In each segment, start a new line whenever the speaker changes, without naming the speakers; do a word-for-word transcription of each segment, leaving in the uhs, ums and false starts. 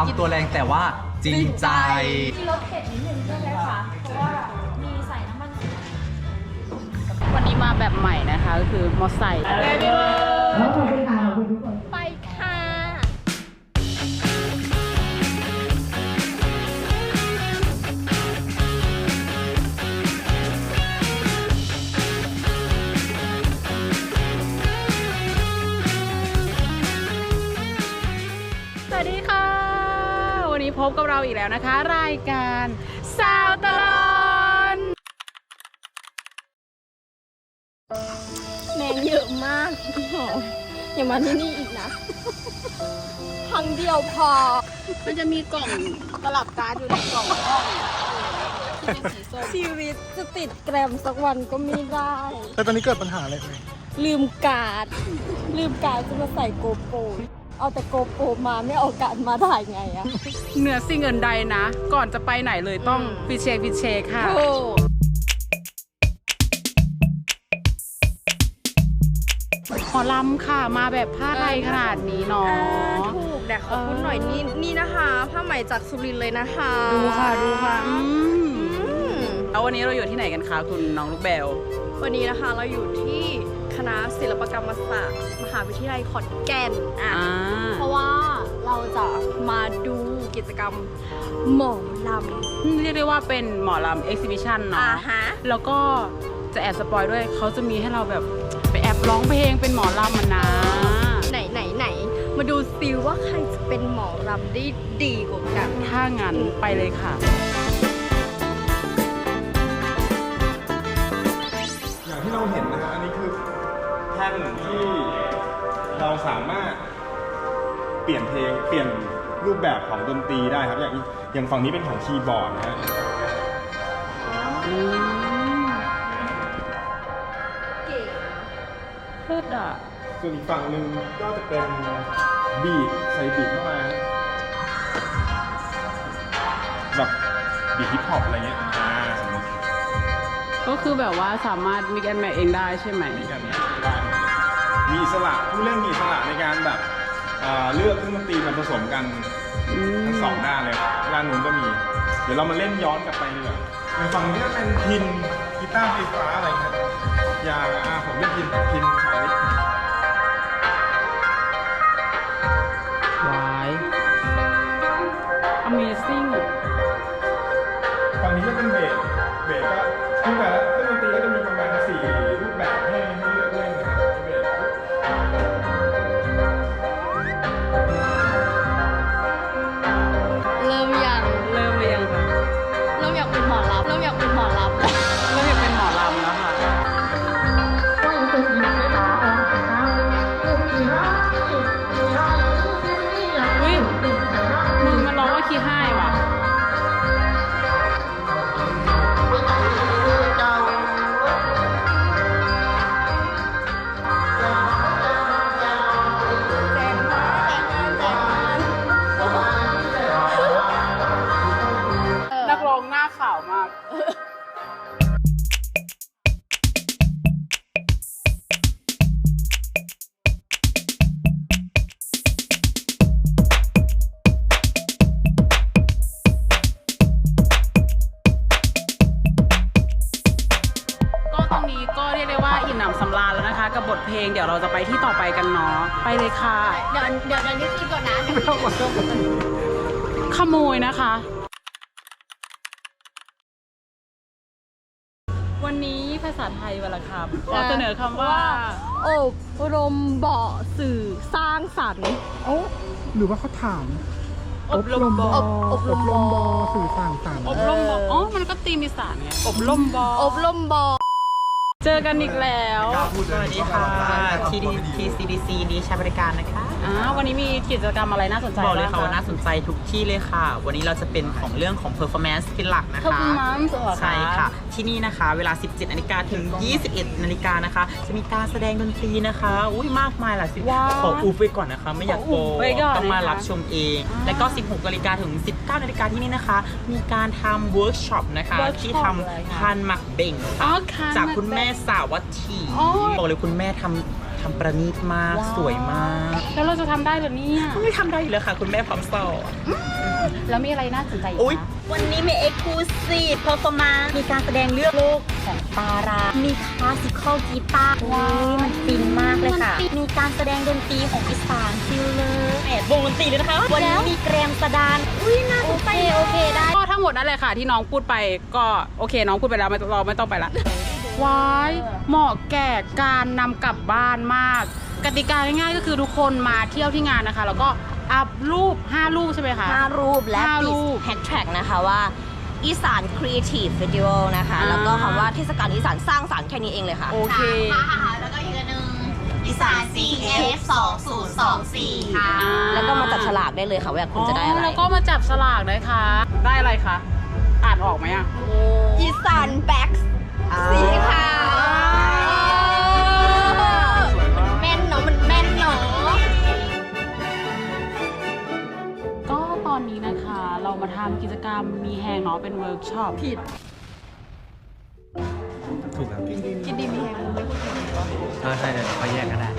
ำตัวแรงแต่ว่าจริงใจ
มีรสเผ็ดนิดนึงใช่ไหมคะเพราะว่ามีใส่น้ำมัน
วันนี้มาแบบใหม่นะคะก็คือมอไซค์ไปค่ะสวัสดีค่ะวันนี้พบกับเราอีกแล้วนะคะรายการสาวตลอน
แมงเยอะมากพี่หอมอย่ามาที่นี่อีกนะครั้งเดียวพอ
มันจะมีกล่องตลับการ์ดอยู่ในกล่องห้องที่เป็นสีส้ม
ชีวิตจะติดแกรมสักวันก็ไม่ได้
แต่ตอนนี้เกิดปัญหาอะไรไหม
ลืมการ์ดลืมการ์ดจะมาใส่โกโปรเอาแต่โกโปรมาไม่เอาการ์ดมาถ่ายไงอะ
เหนือสิ่งอื่นใดนะก่อนจะไปไหนเลยต้องพิเชคพิเชคค่ะหมอลำค่ะมาแบบผ้าไทยขนาดนี้เนาะ
ถูกแต่ขอบคุณหน่อยนี่นี่นะคะผ้าไหมจากสุรินทร์เลยนะคะ
ดูค่ะดูค่ะแล้ววันนี้เราอยู่ที่ไหนกันคะคุณน้องลูกแบล
วันนี้นะคะเราอยู่ที่คณะศิลปกรรมศาสตร์มหาวิทยาลัยขอนแก่นอ่ะเพราะว่าเราจะมาดูกิจกรรมหมอล
ำเรียกได้ว่าเป็นหมอลำเอ็กซิบิชันเนาะแล้วก็จะแอบสปอยด้วยเขาจะมีให้เราแบบไปแอบร้องเพลงเป็นหมอลำมันนะ
ไหนไหนไหนมาดูซิว่าใครจะเป็นหมอลำได้ดีกว่ากัน
ถ้างั้นไปเลยค่ะ
อย่างที่เราเห็นนะฮะอันนี้คือแท่นที่เราสามารถเปลี่ยนเพลงเปลี่ยนรูปแบบของดนตรีได้ครับอย่างอย่างฝั่งนี้เป็นของคีย์บอร์ดนะฮะ
เลิศอ่ะ
ส่วนอีกฝั่งหนึ่งก็จะเป็นบีทใส่บีทเข้ามาแบบบีทฮิปฮอปอะไรเงี้ยอ่าสมมติ
ก็คือแบบว่าสามารถมิกแอนด์แมทเองได้ใช่ไหม
มิกแอนด์แมทได้มีอิสระผู้เล่นมีอิสระในการแบบเลือกเครื่องดนตรีมาผสมกันทั้งสองด้านเลยด้านนู้นก็มีเดี๋ยวเรามาเล่นย้อนกลับไปดีกว่าอย่างฝั่งนี้ก็เป็นพินกีตาร์ไฟฟ้าอะไรครับอย่างอ่าผมเล่นพินพินสาย
วาย Amazing
ฝั่งนี้ก็เป็นเบสเบสก็ทุกแต่ละเครื่องดนตรีก็จะมีประมาณสี่รูปแบบให้ให้เลือกเล่นนะครับเบส
เริ่มยัง
เริ่มหรือยังคะ
เริ่มอยากเป็นหมอลำเริ่มอยากเป็นหมอลำ
เริ่มอยากเป็นหมอลำแล้วค่ะอุ้ยมึงมันร้องว่าขี้ห้ายว่ะนักร้องหน้าขาวมากสำราญแล้วนะคะกับบทเพลงเดี๋ยวเราจะไปที่ต่อไปกันเนาะไปเลยค่ะ
เดี๋ยวเดี๋ยวเดี๋ยวนี่คือก่อนนะ
ขโมยนะคะวันนี้ภาษาไทยวันละคำขอเสนอคำว่า
อบรมบ่อสื่อสร้างสรรค์
โอ้หรือว่าเขาถาม
อบรมบ่อ
อบรมบ่อ
สื่อสร้างสรรค์
อบรมบ่ออ๋อมันก็ตีมีสารไงอบรมบ่อ
อบรมบ่อ
เจอกันอีกแล้ว
สวัสดีค่ะ ที ซี ดี ซี ดีใช้บริการนะคะ
อ่าวันนี้มีกิจกรรมอะไรน่าสนใจ
บอกเลยค่ะว่าน่าสนใจทุกที่เลยค่ะวันนี้เราจะเป็นของเรื่องของ performance เป็นหลักนะคะ
performance
ใช่ค่ะที่นี่นะคะเวลา สิบเจ็ดนาฬิกาถึง ยี่สิบเอ็ดนาฬิกานะคะจะมีการแสดงดนตรีนะคะอุ้ยมากมายหลายสิขออูฟไว้ก่อนนะคะไม่อยากโกต้องมารับชมเองแล้วก็ สิบหกนาฬิกาถึง สิบเก้านาฬิกาที่นี่นะคะมีการทำเวิร์กช็อปนะคะที่ทำพานหมักเบ่งจากคุณแม่สาวัตถีบอกเลยคุณแม่ทำทำประณีตมากสวยมาก
แล้วเราจะทำได้เหรอเนี่ย
ไม่ทำได้อยู่แล้วค่ะคุณแม่พร้อมสอน
แล้วมีอะไรน่าสนใจอีก
อุ๊ย
คะ
วันนี้มี Exclusive Performance มีการแสดงเลือกโลกของปารา มีคลาสสิคอลกีตาร์ว้าวมันฟินมากเลยค่ะ มีการแสดงดนตรีของอีสานฟิลเลอร์แอดวงดนตรีเลยนะคะ วันนี้มีแกรมสดาน อุ้ยน่าสนใจโอเคได้
ก็ทั้งหมดนั่นแหละค่ะที่น้องพูดไปก็โอเคน้องพูดไปแล้วไม่เราไม่ต้องไปละว้ายเหมาะแก่การนำกลับบ้านมาก กติกาง่ายๆก็คือทุกคนมาเที่ยวที่งานนะคะ แล้วก็อัพรูปห้ารูปใช่ไหมคะ
ห้ารูปและ
ห้า
ติ
รู
ด
ป
แฮชแท็กนะคะว่าอีสาน Creative Festival นะคะ
อ่า
แล้วก็คำว่าเทศกาลอีสานสร้างสรรค์แค่นี้เองเลยค่ะ
โอเค
แล้วก็อีกอันหนึ่งอีสาน ซี เอฟ สองศูนย์สองสี่ ค่ะ
อ่า
แล้วก็มาจับฉลากได้เลยค่ะว่าอยากคุณจะได้อะไร
แล้วก็มาจับสลากได้ค่ะ ได้อะไรคะ อ่านออกไหมอ่ะ
อีสานแบ็กสีขาว
แม่นเนาะมันแม่นเนาะ
ก็ตอนนี้นะคะ เรามาทำกิจกรรมมีแฮงเนาะเป็นเวิร์กช็อปผิด
ถูกครับกินดีมีแฮงไม่พูดถึงใช่ใช่เดี๋ยวเขาแยกกันได้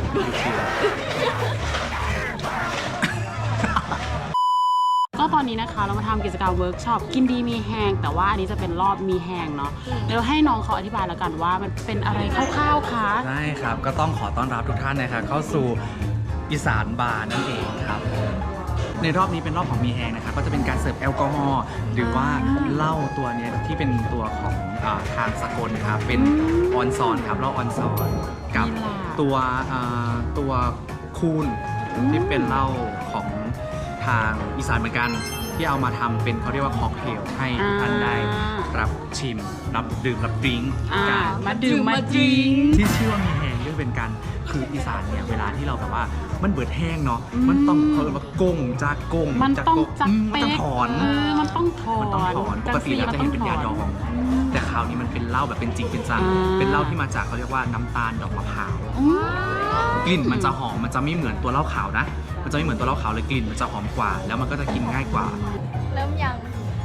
ก็ตอนนี้นะคะเรามาทำกิจกรรมเวิร์กช็อปกินดีมีแฮงแต่ว่าอันนี้จะเป็นรอบมีแฮงเนาะเดี๋ยวให้น้องเขาอธิบายแล้วกันว่ามันเป็นอะไรคร่าวๆคะ
ได้ครับ ก็ต้องขอต้อนรับทุกท่านนะครับเข้าสู่อีสานบาร์นั่นเองครับ ในรอบนี้เป็นรอบของมีแฮงนะครับก็จะเป็นการเสิร์ฟแอลกอฮอล์หรือว่าเหล้าตัวเนี้ยที่เป็นตัวของอาทางสกลครับเป็นออนซอนครับเหล้าออนซอนกับตัวอ่าตัวคูนที่เป็นเหล้าของทางอีสานเหมือนกันที่เอามาทำเป็นเขาเรียกว่าค็อกเทลให้ท่านได้รับชิมรับดื่มรับดริงก์
อ่า
กัน
มาดื่มมาดริง
ที่ชื่อว่ามีแห้งด้วยเป็นการคืออีสานเนี่ยเวลาที่เราแบบว่ามันเบิดแห้งเนาะมันต้องเขาเรียกว่ากงจากกง
มัน
จาก
ต้อง
ก
จับ
อืมมัน
เป๊
ต้อง
ก
ถอน
เออมันต้องถอน
มันต้องถอนปกติเราจะเห็นเป็นยาดอง แต่คราวนี้มันเป็นเหล้าแบบเป็นจริงเป็นจัง
อ่า
เป็นเหล้าที่มาจากเขาเรียกว่าน้ำตาลดอกมะพร้าว
อืม
กลิ่นมันจะหอมมันจะไม่เหมือนตัวเหล้าขาวนะ มันจะไม่เหมือนตัวเหล้าขาวเลยกลิ่นมันจะหอมกว่า แล้วมันก็จะกินง่ายกว่า
เริ่มยัง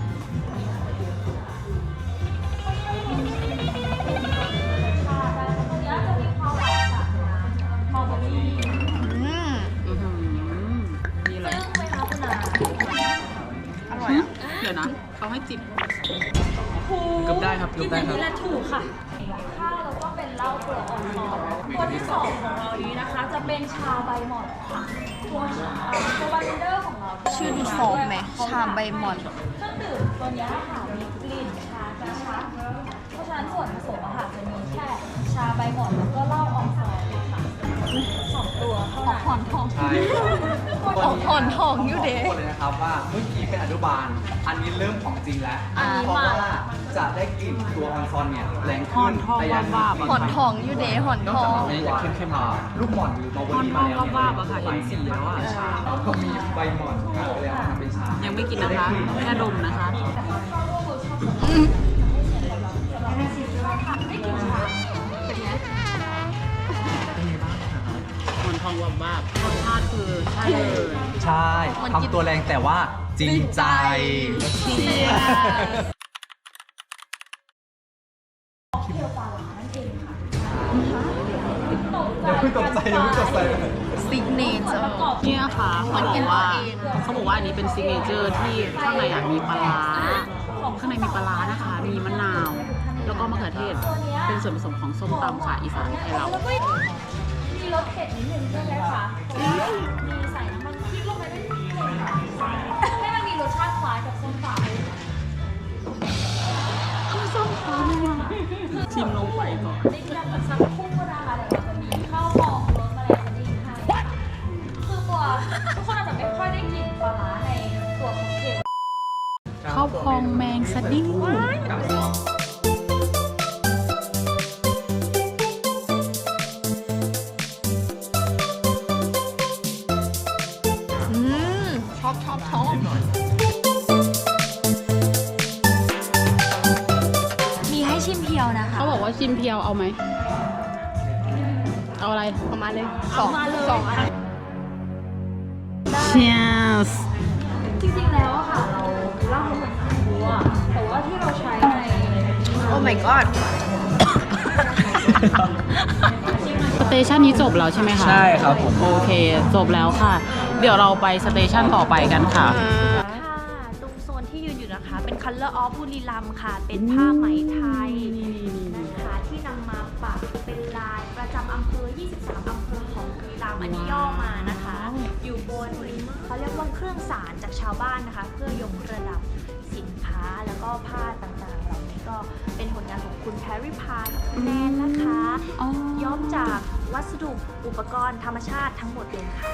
อื้อหือนี่เลยอร่อยอ่ะ เดี๋ยวนะ เขาให้จิบ
เกือบได้ครับเกือบได้ครับ
ข้าวแล้วก็เป็นเหล้าเปลือกอ่อนๆตัวที่สองของเรานี้นะคะ จะเป็นชาใบหม่อนค่ะตัวชาตัวบาร์เทนเดอร์ของเราชื่อดูฟอร์มไหมชาใบหม่อนเครื่องดื่มตัวนี้ค่ะมีกลิ่นชากระชับเพราะฉะนั้นส่วนผสมอาหารจะมีแค่ชาใบหม่อนแล้วก็เหล้าอองซอนค่ะสองตัวเท่านั้นผ่อนทอง
ใช่
ผ่อนทองอยู่เด้
พูดเลยนะครับว่าเมื่อกี้เป็นอนุบาล อันนี้เริ่มของจริงแล้ว
อันนี้
เพราะ
มา
ว่าจะได้กลิ่นตัวออนซอนเนี่ยแรง
หอ
ขึ้
น
น
ทอง
แต่ยัง
วาบๆอะ
ผ่อนทองอยู่เด้ผ่อน
นอ
ท
ก
อ
จาก
ง
นี้จะเข้มๆมาลูกหม่อนหรือมาวันนี้
ห
มา
อนท
แล้
อ
ว
ง
เนี่ย
วาบๆอะค่ะเห็นสีแล้วอะ
ก็มีใบหม่อนครับไปแล้วทำเป็นชา
ยั
ยัง
ไม่กินนะคะ แค่ดมนะคะ หอนทองวาบวาบรสชาติคือใช่เลย
ใช่ทำตัวแรงแต่ว่าจริงใจ อย่าเพิ่งตกใจอย่าเพิ่งตกใจ
ซิกเนเจอร์
เนี่ยค่ะเขาบอกว่าเขาบอกว่าอันนี้เป็นซิกเนเจอร์ที่ข้างในอ่ะมีปลาร้าข้างในมีปลาร้านะคะ มีมะนาว แล้วก็มะเขือเทศ เป็นส่วนผสมของส้มตำค่ะอีสานไทยเรา
มีรสเผ็ดนิดนึงใช่ไหมคะมีใส่น้ำมันพริกลงไปด้วยนิดนึงให้มันมีรสชาติคล้ายกับส้มตำ
ชิมลงไปก่อน
ดิ้งดังสักครู่นะคะเดี๋ยวเราจะมีข้าวหอมรสแมลงดิ้งให้ค่ะคือตัวทุกคนอาจจะไม่ค่อยได้กลิ่นปลาร้าในตัวของเค็ม
ข้าวพองแมงสดิ้ง
อืมชอบชอบชอบมีให้ชิมเพียวนะคะ
เขาบอกว่าชิมเพียวเอาไหม เอาอะไร
เอามาเลยสองสองอัน
Cheers
จริงๆแล้วอะค่ะ เราเล่าเหมือนกันบัวแต่ว่าที่เราใช้ใน โอ้ my god
สเตชันนี้จบแล้วใช่ไหมคะ
ใช่ครับผม
โอเค จบแล้วค่ะ เดี๋ยวเราไปสเตชันต่อไปกันค่ะ
ค่ะตรงโซนที่ยืนอยู่นะคะ เป็น Color of บุรีรัมย์ค่ะ เป็นผ้าไหมไทยนะคะที่นำมาปักเป็นลายประจำอำเภอ ยี่สิบสาม อำเภอของบุรีรัมย์อันนี้ย่อมานะคะ อยู่บนเขาเรียกว่าเครื่องสารจากชาวบ้านนะคะ เพื่อยกระดับสินค้าแล้วก็ผ้าต่างๆเหล่านี้ก็เป็นผลงานของคุณแพรรี่พายกับคุณแนนนะคะ
อ๋อ
ย้อมจากวัสดุอุปกรณ์ธรรมชาติทั้งหมดเลยค่ะ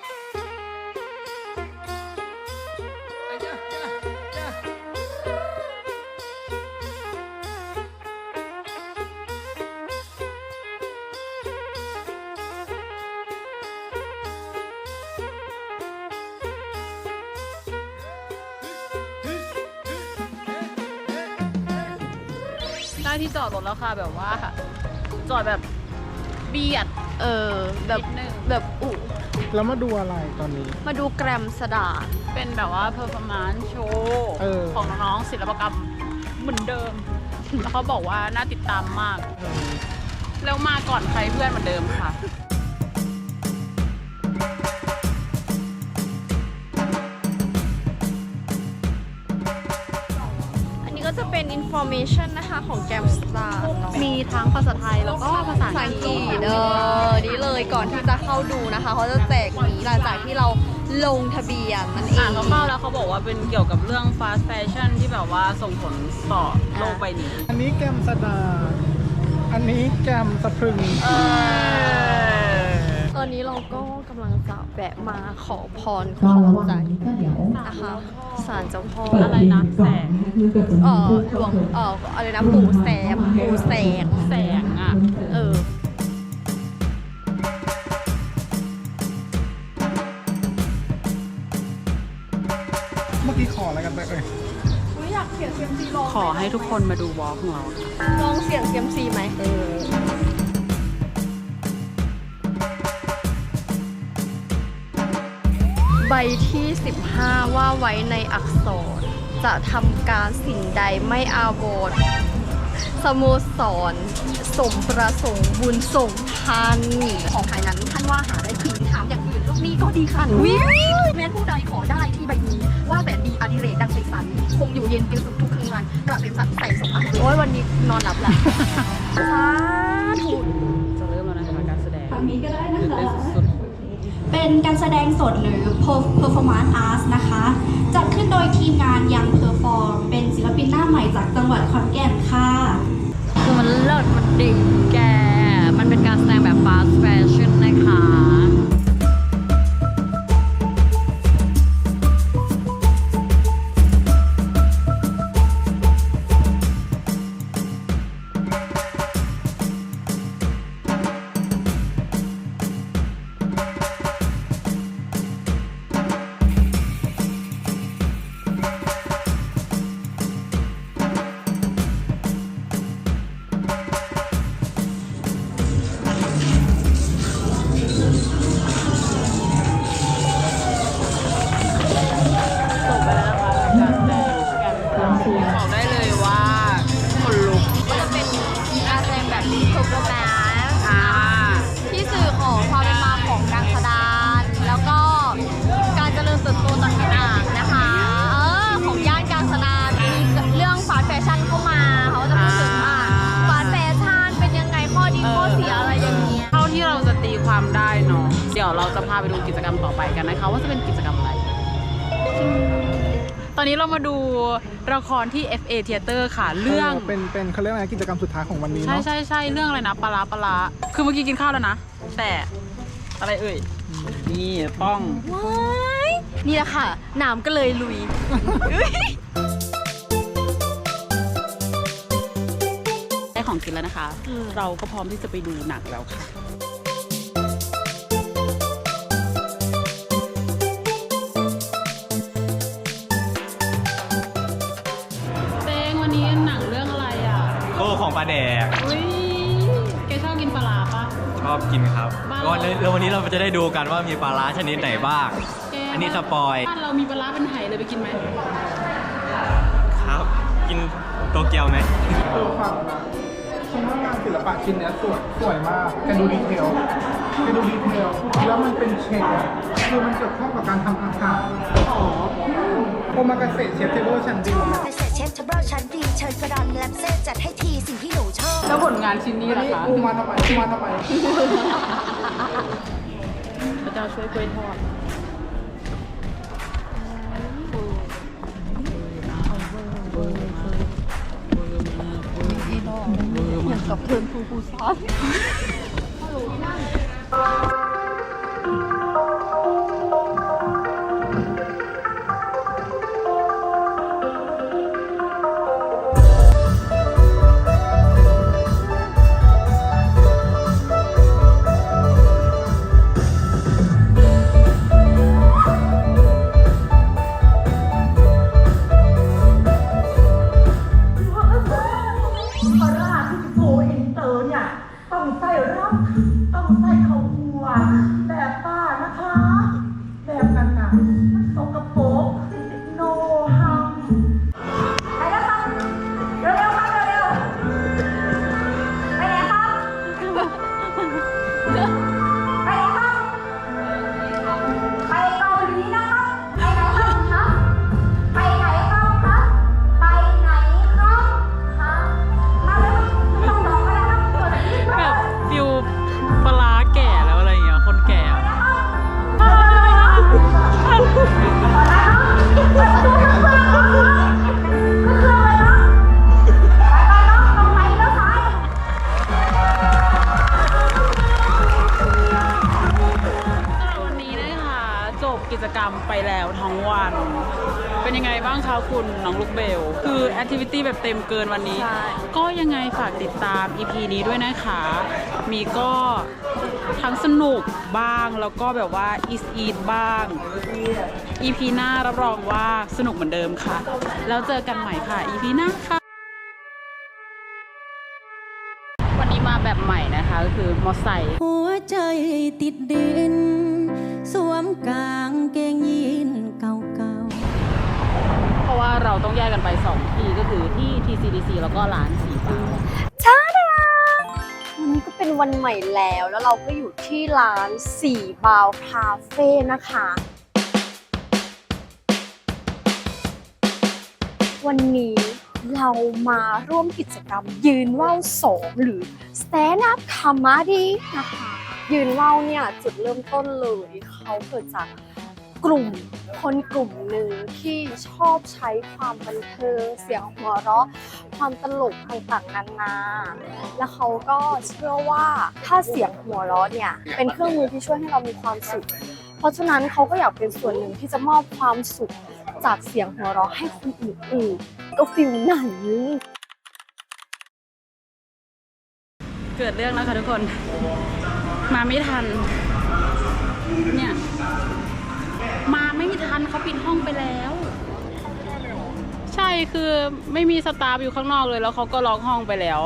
ได้ที่จอดรถแล้วค่ะแบบว่า จอดแบบเบียด
เออแบบ
นิดนึง
แบบอุ
แล้วมาดูอะไรตอนนี้
มาดูแกรมสดา
เป็นแบบว่า performance show
เออ
ของน้องๆศิลปกรรมเหมือนเดิม แล้วเขาบอกว่าน่าติดตามมาก แล้วมาก่อนใครเพื่อนเหมือนเดิมค่ะ
อันนี้ก็จะเป็น information นะคะของแกรมสดา
มีทั้งภาษาไทยแล้วก็ภาษา
ภาษา
อั
อั
ง
ง
ก
ก
ฤ
ฤ
ษ
ษเออนี่เลยก่อนที่จะเข้าดูนะคะเขาจะแจกนี้หลังจากที่เราลงทะเบียนนั่นเอ
อ่าง นเข้าๆแล้วเขาบอกว่าเป็นเกี่ยวกับเรื่อง fast fashion ที่แบบว่าส่งผลต่อโลกใบนี้
อันนี้แกมสดา อันนี้แกมสะพรึง
ตอนนี้เราก็กำลังจะแวะมาขอพรของใจนะคะศาลเจ้าพ่อ
อะไรนะแสง
เออหลวงเอออะไรนะปู่แสมปู่แสง
แสงอ่ะ
เออ
เมื่อกี้ขออะไรกันไปเอ่ย
อยากเสียงเซียมซีลอง
ขอให้ทุกคนมาดูวอล์กของเราค่ะ
ลองเสียงเซียมซีไหมเออใบที่ สิบห้า ว่าไว้ในอักษร จะทำการสิ่งใดไม่อาโวดสโมสร สมประสงค์บุญส่งท่านของภายนั้นท่านว่าหาได้คือถามอย่างอื่นลูกนี้ก็ดีค่ะวิแม้ผู้ใดขอได้ที่ใบนี้ ว่าแต่ดีอดิเรกดังใสสันคงอยู่เย็นเป็นสุขทุกคืนวันกระเป็นสัตว์ใส่สมอันโอ้ยวันนี้นอนหลับแหละสาธุ
จะเริ่มแล้วนะคะการแสดง
ฝั่งนี้ก็ได้นะ
ตื่น
คะ
เต้นสุด
เป็นการแสดงสดหรือ performance arts นะคะ จัดขึ้นโดยทีมงานยังเพอร์ฟอร์มเป็นศิลปินหน้าใหม่จากจังหวัดขอนแก่นค่ะ
คือมันเลิศมันดิ่งแก มันเป็นการแสดงแบบ fast fashion นะคะ
ๆจบไปแล้วนะคะการแสดงการแสดงบอกได้เลยว่าคนลุก
ก็จะเป็นการแสดงแบบ performance
อ่า
ที่สื่อของความเป็นมาของการแสดงแล้วก็การเจริญเติบโตต่างๆนะคะ เออ ของย่านการแสดงมีเรื่องฟาสต์แฟชั่นเข้ามา เขาจะพูดถึงว่าฟาสต์แฟชั่นเป็นยังไงข้อดีข้อเสียอะไรอย่างเงี้ย
เท่าที่เราจะตีความได้เนาะ เดี๋ยวเราจะพาไปดูกิจกรรมต่อไปกันนะคะ ว่าจะเป็นกิจกรรมอะไร ตอนนี้เรามาดูละครที่ เอฟ เอ Theater ค่ะ เรื่อง
เป็นเป็นเขาเรียกอะไรกิจกรรมสุดท้ายของวันนี้
ใช่
เนาะ
ใช่ใช่เรื่องอะไรนะปลาร้าปลาร้าคือเมื่อกี้กินข้าวแล้วนะ แต่อะไรเอ่ย นี่ป้อง
ว้ายนี่แหละค่ะหนามก็เลยลุย
ได้ของกินแล้วนะคะ เราก็พร้อมที่จะไปดูหนังแล้วค่ะเต้งวันนี้หนังเรื่องอะไรอ่ะ
โก้ของปลาแดก
อุ้ยแกชอบกินปลาร้าปะ
ชอบกินครับ
บ้าน
ก็
เรา
แล้ววันนี้เราจะได้ดูกันว่ามีปลาร้าชนิดไหนบ้าง
แก
อันนี้สปอย
บ้านเรามีปลาร้าเป็นไหเลยไปกินไหม
ครับ กินโตเกียวไหม
เออฟังฉันว่างานศิลปะชิ้นเนี้ยสวยสวยมากแกดูดีเทลแกดูดีเทลแล้วมันเป็นเชฟคือมันเกี่ยวข้องกับการทำอาหารอ๋อโอมากาเสะเชฟเทเบิลชั้นดี
เกษตรเชฟเทเบิลชั้นดีเชิญกระดอนแลมเซ่จัดให้ทีสิ่งที่หนูชอบ
แล้วผลงานชิ้นนี้ล่ะคะ
กูมาทำไมกูมาทำไม
พระเจ้าช่วยกล้วยทอด
อย่างกับเทิร์นฟูฟูซอส
ปลาร้าที่จะโกอินเตอร์เนี่ยต้องใส่ร่ำต้องใส่ข้าวคั่วแบบป้านะคะ แบบนั้นน่ะมันสกปรกโนฮัมไปแล้วครับเร็วๆครับเร็วๆไปไหนครับไปไหนครับไปเกาหลีนะครับไปไหนครับคะไปไหนครับคะไปไหนครับคะมาเลยไม่ต้องรอก็ได้ครับเปิดที่
แบบฟิวปลาร้าแก่แล้วอะไรอย่างเงี้ย คนแก่อะ วันนี้นะคะจบกิจกรรมไปแล้วทั้งวัน เป็นยังไงบ้างคะคุณน้องลูกเบล คือแอคทิวิตี้แบบเต็มเกินวันนี้ ก็ยังไงฝากติดตาม อี พี นี้ด้วยนะคะ มีก็ทั้งสนุกบ้างแล้วก็แบบว่าอีสอีทบ้าง อี พี หน้ารับรองว่าสนุกเหมือนเดิมค่ะ แล้วเจอกันใหม่ค่ะ อี พี หน้าค่ะ วันนี้มาแบบใหม่นะคะก็คือมอไซค์
หัวใจติดดิน สวมกางเกงยีนเก่า
เพราะว่าเราต้องแยกกันไปสองที่ก็คือที่ ที ซี ดี ซี แล้วก็ร้านสีฟ้า
ช้าดาวันนี้ก็เป็นวันใหม่แล้ว แล้วเราก็อยู่ที่ร้านสี่บาวคาเฟ่นะคะ วันนี้เรามาร่วมกิจกรรมยืนว่าวสองหรือ Stand Up Comedy นะคะ ยืนว่าวเนี่ยจุดเริ่มต้นเลยเขาเกิดจากกลุ่มคนกลุ่มหนึ่งที่ชอบใช้ความบันเทิงเสียงหัวเราะความตลกต่างๆนานาแล้วเขาก็เชื่อว่าถ้าเสียงหัวเราะเนี่ยเป็นเครื่องมือที่ช่วยให้เรามีความสุข เพราะฉะนั้นเขาก็อยากเป็นส่วนหนึ่งที่จะมอบความสุขจากเสียงหัวเราะให้คนอื่นๆก็ฟิลไหน
เกิดเรื่องแล้วค่ะทุกคน มาไม่ทัน เนี่ย มาไม่ทันเขาปิดห้องไปแล้ว ใช่คือไม่มีสตาฟอยู่ข้างนอกเลยแล้วเขาก็ล็อกห้องไปแล้ว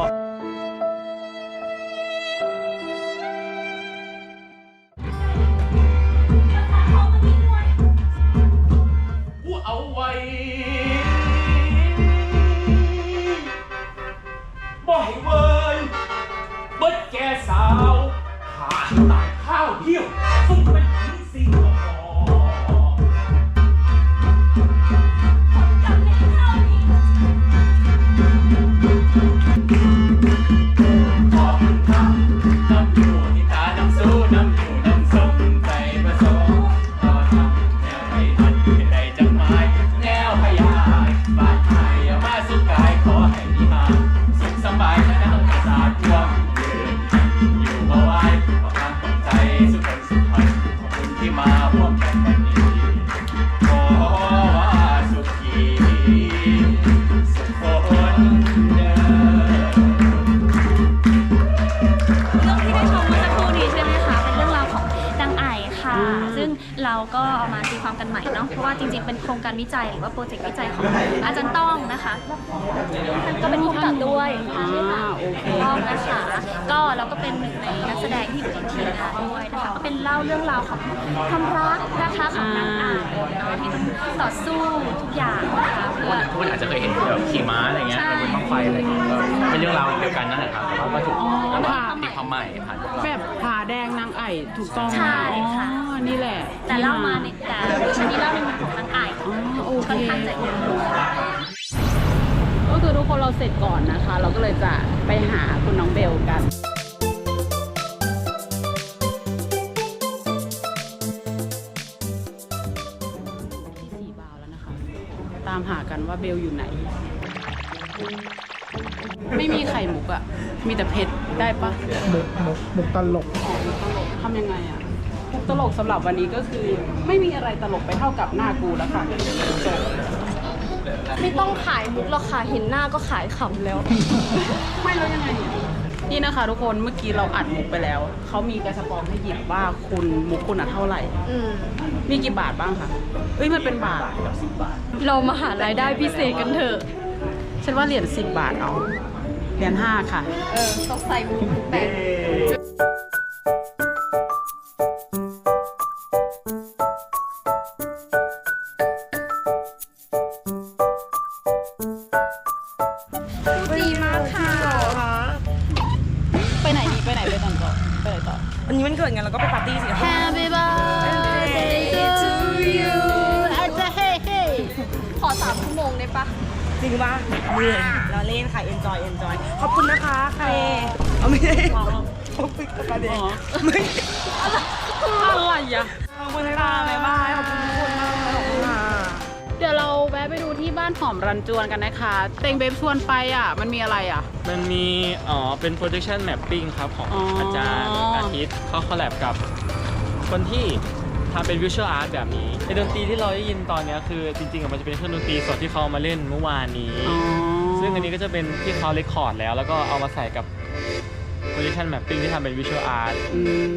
เอาไว้บ่ให้เวินเบิดแก่สาวหาตายข้าวเดียวสุดเป็นผีสิงหอขอบคุณครับน้ำอยู่ที่ตาน้ำสู้น้ำอยู่น้ำส้มใจผสมต่อทำแนวไม่ทันเป็นไรจังไม้แนวพยายบาดหายอย่ามาสุดกายขอให้มีหาสุขสบายชนะศาสตร์รวมยืนอยู่มาไว้ประกันตก
เราก็เอามาตีความกันใหม่เนาะเพราะว่าจริงๆเป็นโครงการวิจัยหรือว่าโปรเจกต์วิจัยของอาจารย์ต้องนะคะท่านก็เป็นผู้กำกับด้วยใช่ค่ะต้องนะคะก็เราก็เป็นหนึ่งในนักแสดงที่อยู่ในทีมงานด้วยนะคะก็เป็นเล่าเรื่องราวของความรักนะคะของนางอ่านเนาะที่ต้องต่อสู้ทุกอย่างนะคะเพื่อ
ทุกคนอาจจะเคยเห็นแบบขี่ม้าอะไรเงี้ยบนบ้างไฟอะไรเงี้ยก็เป็นเรื่องราวเดียวกันนั่นแหละครับแต่ว่าก็ถูกตีความใหม่ผ่านพวกเรา
แบบผาแดงนางไอ่ถูกต้อง
ใช่ค่ะ
อ๋อนี่แหละ
แต่เล่ามาในแต่เวอร์ชันนี้เล่าในมุมของนางอ่าน
อ๋อโอเค
ค่อนข้างจะเยอะ
ก็คือทุกคนเราเสร็จก่อนนะคะ เราก็เลยจะไปหาคุณน้องเบลกันที่สี่บาวแล้วนะคะ ตามหากันว่าเบลอยู่ไหน ไม่มีไข่มุกอะมีแต่เผ็ดได้ปะ
มุกมุกมุกตลก
อ๋อมุกตลกทำยังไงอะมุกตลกสำหรับวันนี้ก็คือ ไม่มีอะไรตลกไปเท่ากับหน้ากูแล้วค่ะจบ
ไม่ต้องขายมุกหรอกค่ะเห็นหน้าก็ขายขำแล้ว
ไม่แล้วยังไงนี่นะคะทุกคนเมื่อกี้เราอัดมุกไปแล้วเขามีกระสปองให้หยิบว่าคุณมุกคุณอะเท่าไหร่
อืม
มีกี่บาทบ้างคะเอ้ยมันเป็นบาทแบบสิบบาท
เรามาหารายได้พิเศษกันเถอะ
ฉันว่าเหรียญสิบบาทเอาเหรียญห้าค่ะ
เออต้องใส่มุกแปะดีมากค่ะ
ไปไหนดีไปไหนไปก่อนก่อนไปไหนต่อ
วันนี้มันเกิดไงเราก็ไปปาร์ตี้สิ
Happy birthday to you อาจจะเฮ้เฮ้ขอสามชั่วโมงได้ปะ
จริงป่ะเหนื่อยเราเล่นค่ะ enjoy enjoy ขอบคุณนะคะใครเอาไม่ได้ขอบคุณกับประเด็นไม่
อะไรอะ
ขอบคุณค่ะบ๊ายบายขอบคุณทุกคนมากขอบคุณค่ะ
เดี๋ยวเราแวะไปดูที่บ้านหอมรันจวนกันนะคะเต็งเบบชวนไปอ่ะมันมีอะไรอ่ะ
มันมีอ๋อเป็น projection mapping ครับของ
อ๋ออ
อาจารย์อาทิตย์เขาคอลแลบกับคนที่ทำเป็น visual art แบบนี้ในดนตรีที่เราได้ยินตอนเนี้ยคือจริงๆอะมันจะเป็นเครื่องดนตรีสดที่เขาเอามาเล่นเมื่อวานนี้
อ๋อ
ซึ่งอันนี้ก็จะเป็นที่เขาเรคคอร์ดแล้ว แล้วก็เอามาใส่กับ projection mapping ที่ทำเป็น visual art
อืม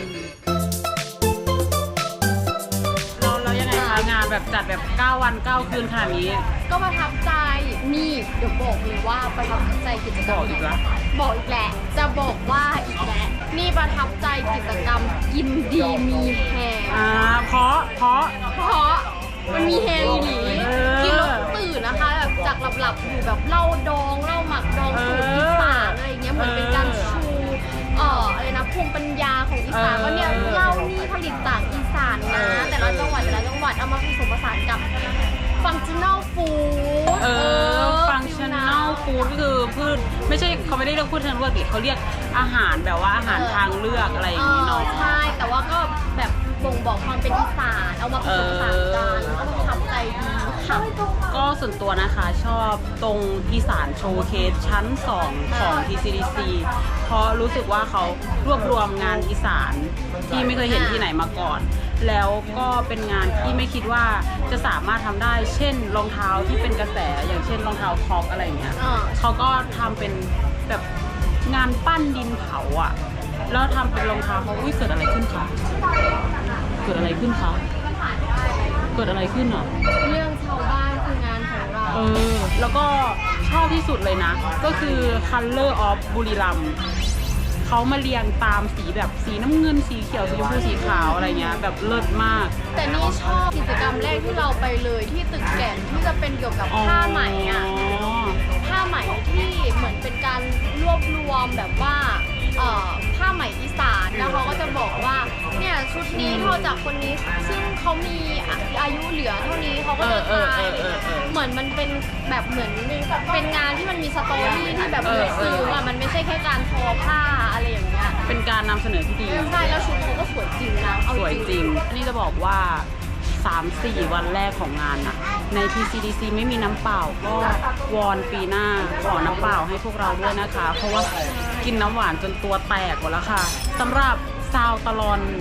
เราเรายังไงคะงานแบบจัดแบบเก้าวันเก้าคืนขนาดนี้
ก็ประทับใจนี่เดี๋ยวบอกเลยว่าประทับใจกิจกรรม
บอกอีกแล้ว
บอกอีกแหละจะบอกว่าอีกแล้วนี่ประทับใจกิจกรรมกินดีมีแฮง
อ่าเพราะเพราะ
เพราะมันมีแฮงอีหลี
เออ
กินแล้วตื่นนะคะแบบจากหลับๆอยู่แบบเหล้าดองเหล้าหมักดองสูตรอีสานอะไรอย่างเงี้ยเหมือนเป็นการชูเอ่ออะไรนะภูมิปัญญาของอีสานว่าเนี่ยเหล้านี่ผลิตจากอีสานนะแต่ละจังหวัดแต่ละจังหวัดเอามาผสมผสานกับฟังชั่นแนลฟู้ด
เออฟังชั่นแนลฟู้ดก็คือพืชไม่ใช่เขาไม่ได้เรียกพืชทางเลือกดิเขาเรียกอาหารแบบว่าอาหารทางเลือกอะไรอย่างนี้เนาะ
ใช่แต่ว่าก็แบบบ่งบอกความเป็นอีสานเอามาผสมผสานกันก็ประทับใจดีค่ะ
ก็ส่วนตัวนะคะชอบตรงอีสานโชว์เคสชั้นสองของ ที ซี ดี ซี เพราะรู้สึกว่าเขารวบรวมงานอีสานที่ไม่เคยเห็นที่ไหนมาก่อน แล้วก็เป็นงานที่ไม่คิดว่าจะสามารถทำได้ เช่นรองเท้าที่เป็นกระแสอย่างเช่นรองเท้าคอกอะไรอย่างเงี้ย
อ่า
เขาก็ทำเป็นแบบงานปั้นดินเผาอ่ะแล้วทำเป็นรองเท้าเขาอุ้ยเกิดอะไรขึ้นคะเกิดอะไรขึ้นคะเกิดอะไรขึ้นอ่ะ
เรื่องชาวบ้านคืองานของเรา
เออ แล้วก็ชอบที่สุดเลยนะ ก็คือ Color of บุรีรัมย์เขามาเรียงตามสีแบบสีน้ำเงินสีเขียวสีชมพูสีขาวอะไรเงี้ยแบบเลิศมาก
แต่นี่ชอบกิจกรรมแรกที่เราไปเลยที่ตึกแก่นที่จะเป็นเกี่ยวกับผ้าไหมอ่ะ ผ้าไหมที่เหมือนเป็นการรวบรวมแบบว่าเอ่อผ้าไหมอีสานแล้วเขาก็จะบอกว่าเนี่ยชุดนี้เท่าจากคนนี้ซึ่งเขามีอายุเหลือเท่านี้เขาก็จะตายอะไรเงี้ยเหมือนมันเป็นแบบเหมือนเป็นงานที่มันมีสตอรี่ที่แบบลึกซึ้งอ่ะมันไม่ใช่แค่การทอผ้าอะไรอย่างเงี้ย
เป็นการนำเสนอที่ดี
ใช่แล้วชุดเขาก็สวยจริงนะเอา
สวยจริงอันนี้จะบอกว่า สามสี่ วันแรกของงานอะใน ที ซี ดี ซี ไม่มีน้ำเปล่าก็วอนปีหน้าขอน้ำเปล่าให้พวกเราด้วยนะคะ เพราะว่ากินน้ำหวานจนตัวแตกหมดแล้วค่ะสำหรับซาวตลอน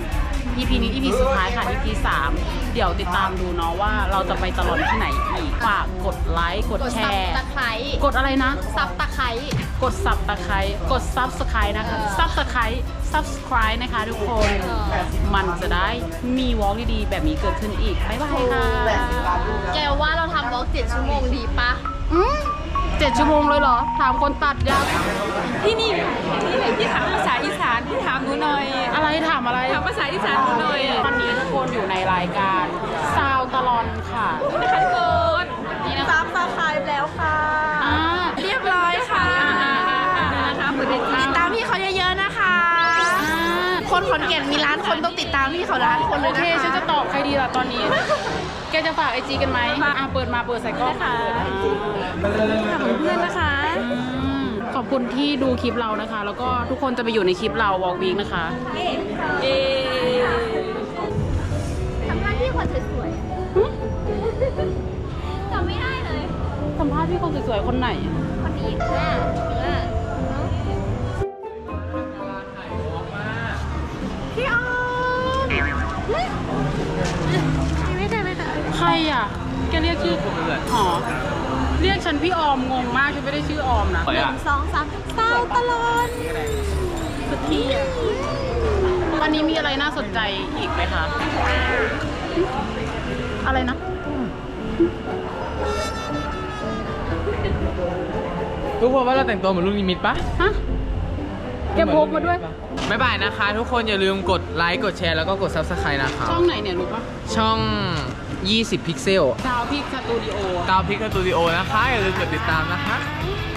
อี พี นี้ อี พี สุดท้ายค่ะ อี พี สาม เดี๋ยวติดตามดูเนาะว่าเราจะไปตลอดที่ไหนอีกฝากกดไลค์กดแชร์
ตะไคร้
กดอะไรนะ
ซับตะไคร้
กดซับตะไคร้กดซับสไครต์นะคะซับสไครต์ subscribe นะคะทุกคน มันจะได้มีวอล์กดีๆ แบบนี้เกิดขึ้นอีก บ๊ายบายค่ะ
แกว่าเราทำบล็อกเจ็ดชั่วโมงดีปะ
อืมเจ็ดชั่วโมงเลยเหรอ ถามคนตัดยัง
ที่นี่ที่ไหนที่ถามภาษาอีสานที่ถามหนูหน่อย
อะไรถามอะไร
ถามภาษาอีสานหนูหน่อย
วันนี้ทุกคนอยู่ในรายการซาวตลอนค่ะ
นะคะทุกคน
นี่นะ
ซับสไครต์แล้วค่ะ
อ่า
เรียบร้อยค่ะนะคะติดตามพี่เขาเยอะๆนะคะ คนขอนแก่นมีร้านคนต้องติดตามพี่เขาร้านคนเล
โอย
นะ
เค
คะ
ฉันจะตอบใครดีล่ะตอนนี้ แกจะฝากไอจีกันไหมอ่ะเปิดมาเปิดใส่กล้องค่ะ
เพื่อนนะคะ
ขอบคุณที่ดูคลิปเรานะคะ แล้วก็ทุกคนจะไปอยู่ในคลิปเราวอล์กวีคนะคะ
เอทำหน้าที่คนสวยๆจำไม่ได้เลย
สัมภาษณ์พี่คนสวยๆคนไหน
คนนี้เนื้อเนื้อพี่ออมไม่ได้ไม่ได้
ใครอ่ะ แกเรียกชื่ออ๋อเรียกฉันพี่ออมงงมากฉันไม่ได้ชื่อออมนะ
หนึ่งสองสามเศร้าตลอด
สุดที่อ่ะวันนี้มีอะไรน่าสนใจอีกไหมคะ อะไรนะ
ทุกคนว่าเราแต่งตัวเหมือนลูกนิมิตปะ
ฮะ แกพกมาด้วย
บ๊ายบายนะคะ ทุกคนอย่าลืมกดไลค์กดแชร์แล้วก็กด ซับสไครต์ นะคะ
ช่องไหนเนี่ยรู้ปะ
ช่อง ยี่สิบ พิกเซล
ดาวพิกสตูดิโอ
ดาวพิกสตูดิโอนะคะ อย่าลืมกดติดตามนะคะ
บ